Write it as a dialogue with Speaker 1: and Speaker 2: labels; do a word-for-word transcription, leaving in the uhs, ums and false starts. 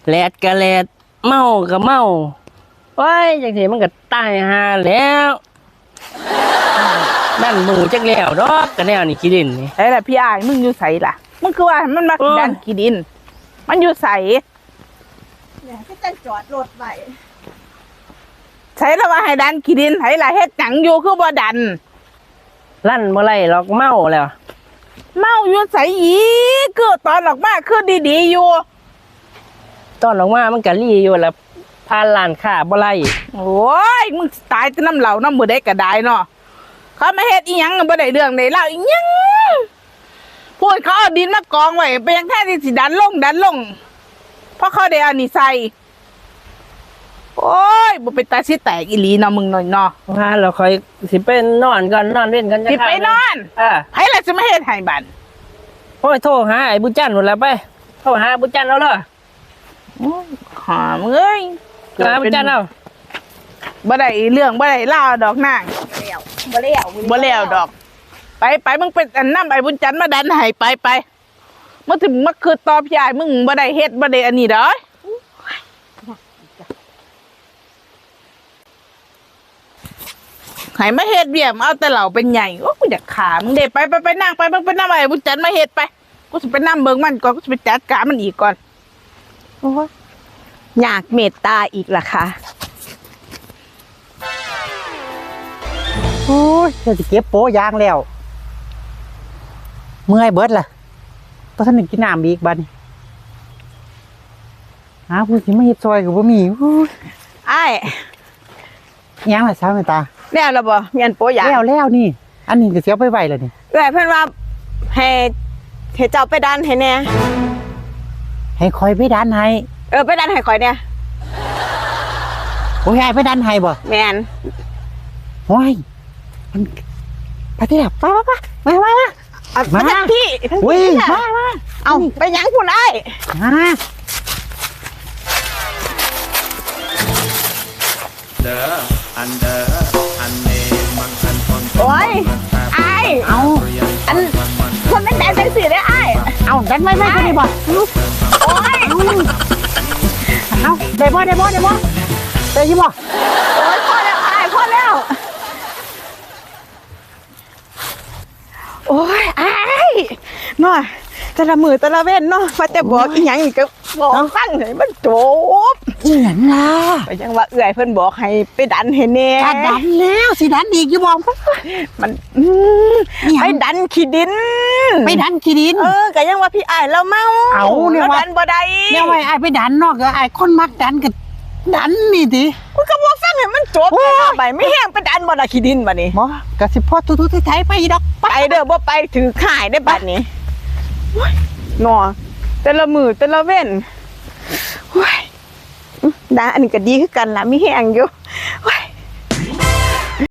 Speaker 1: แลดกะแลดเมากับเมาโอ้ยจังสิมันก็ตายหาแล้วนั่นหมูจักแล้วดอกกะแนวนี่ขี้ดินนี่
Speaker 2: ไอ้ล่ะพี่อ้ายมึงอยู่ไสล่ะมึงคือว่ามันมาดันขี้ดินมันอยู่ไส
Speaker 3: เนี่ยก็จะจอดรถไว้
Speaker 2: ใช้แล้วว่าให้ดันขี้ดินไผล่ะเฮ็ดหยังอยู่คือบ่ดัน
Speaker 1: ลั่นบ่ไล่หรอกเมาแล้ว
Speaker 2: เมาอยู่ไสอีกคือตอนออกมาคือดีๆอยู่
Speaker 1: ตอนออกมามันก็ลี่อยู่แล้วพาร้านค้าบ่ไล่
Speaker 2: โอ้ยมึงตายแต่น้ำเหล่าน้ำมือได้ก็ได้เนาะเขามาเฮ็ดอีหยังบ่ได้เรื่องได้เล่าอีหยังพูดเขาเอาดินมากองไว้ไปยังแท้ที่สิดันลงดันลงเพราะเขาได้เอานี่ใส่โอ้ยบ่เป็นตาสิแตกอีหลีเนาะมึงหน่อยเนาะ
Speaker 1: ว่าเราค่อยสิไปนอนก่อนนอนเล่นกันจะ
Speaker 2: สิไปนอน
Speaker 1: เออ
Speaker 2: ไผล่ะสิมาเฮ็ดให้บัด
Speaker 1: โอ้ยโทรหาไอ้บุญจันทร์หมดแล้วไปโทรหาบุญจันทร์เอาเลย
Speaker 2: หามึงเอ้ย
Speaker 1: หาบุญจันทร์เอา
Speaker 2: บ่ได้เรื่องบ่ได้เล่าดอกนาง
Speaker 3: แล้วบ่แล้ว
Speaker 2: บ่แล้วดอกไปไปมึงเป็นอันนำไอ้บุญจันทร์มาดันให้ไปไปมึงถึงมาคือตอบยายมึงบ่ได้เฮ็ดบ่ได้อันนี้ดอกให้มาเฮ็ดเบี้ยมเอาแต่เหล่าเป็นใหญ่โอ้กูอยากขามึงเด้ไปไปไปนั่งไปมึงไปนำไอ้บุญจันทร์มาเฮ็ดไปกูสิไปนำเบิ่งมันก่อนกูสิไปจัดการมันอีกก่อน
Speaker 3: โอ้ยอยากเมตตาอีกล่ะค่ะ
Speaker 4: โอ้ยจะเก็บโป๊ยางแล้วเมื่อยเบิดล่ะเพราะท่านกินน้ำอีกบัดนี้หาผู้สิมาเฮ็ดซอยกับบ่มี
Speaker 2: อ้าย
Speaker 4: ยังล่ะสาวแม่ตา
Speaker 2: แล้วล่ะบ่เมียนโปยาง
Speaker 4: แล้วแล้วนี่อันนี้ก็เสียไปไว้แล้วนี่
Speaker 3: เอ้ยเพิ่นว่าให้ให้เจ้าไปดันให้แน่
Speaker 4: ให้คอยไปดันให้
Speaker 3: เออไปดันให้ข่อยเนี่ย
Speaker 4: โอ้ยให้ไปดันให้บ่
Speaker 3: แม่น
Speaker 4: โอ้ยมันไปที่ไหนไปไปไปมามา
Speaker 3: มาทั้งพี่ทั้งพี่
Speaker 4: มามา
Speaker 3: เอาไปยังคุณไอ้
Speaker 4: มา
Speaker 5: เด้ออันเด้ออันเนมังคันคน
Speaker 3: โอ้ยไอ้
Speaker 4: เอา
Speaker 3: อันคนไม่แต่ใจสีเลยไอ้
Speaker 4: เอาดันไม่ไม่คนนี้บ่
Speaker 3: โอ้ย
Speaker 4: เอาได้บ่ได้บ่ได้บ่ได้ยี่บ่
Speaker 3: โอ้ยพอแล้วไอ้พอแล้วโอ้ยไอ้หน่อยแต่ละมือแต่ละเว้นเนาะว่าแต่บอกอีหยังอีกก็บอกฟังให้มันจบ
Speaker 4: อีหยังล่ะ
Speaker 3: ก็ยังว่าเอื้อยเพิ่นบอกให้ไปดันให้แน่
Speaker 4: ดันแล้วสิดันอีกอยู่บ่
Speaker 3: มันไปดันขี้ดิน
Speaker 4: ไปดันขี้ดิน
Speaker 3: เออก็ยังว่าพี่อ้ายเราเมา
Speaker 4: เอาเนี่ยว่า
Speaker 3: ดันบ่ได้
Speaker 4: เนี่ยว่าอ้ายไปดันเนาะก็อ้ายคนมักดันก็ดันนี่ติ
Speaker 3: มันก็บ่ฟังให้มันจบไปไม่แห้งไปดันบ่ล่ะขี้ดินบัดนี้
Speaker 4: บ่ก็สิพอทุๆไทยไปดอก
Speaker 3: ไปเด้อบ่ไปถือข่ายได้บัดนี้เนาะแต่ละมือแต่ละเว้นโอ้ยดาอันนี้ก็ดีคือกันล่ะมีแห้งอยู่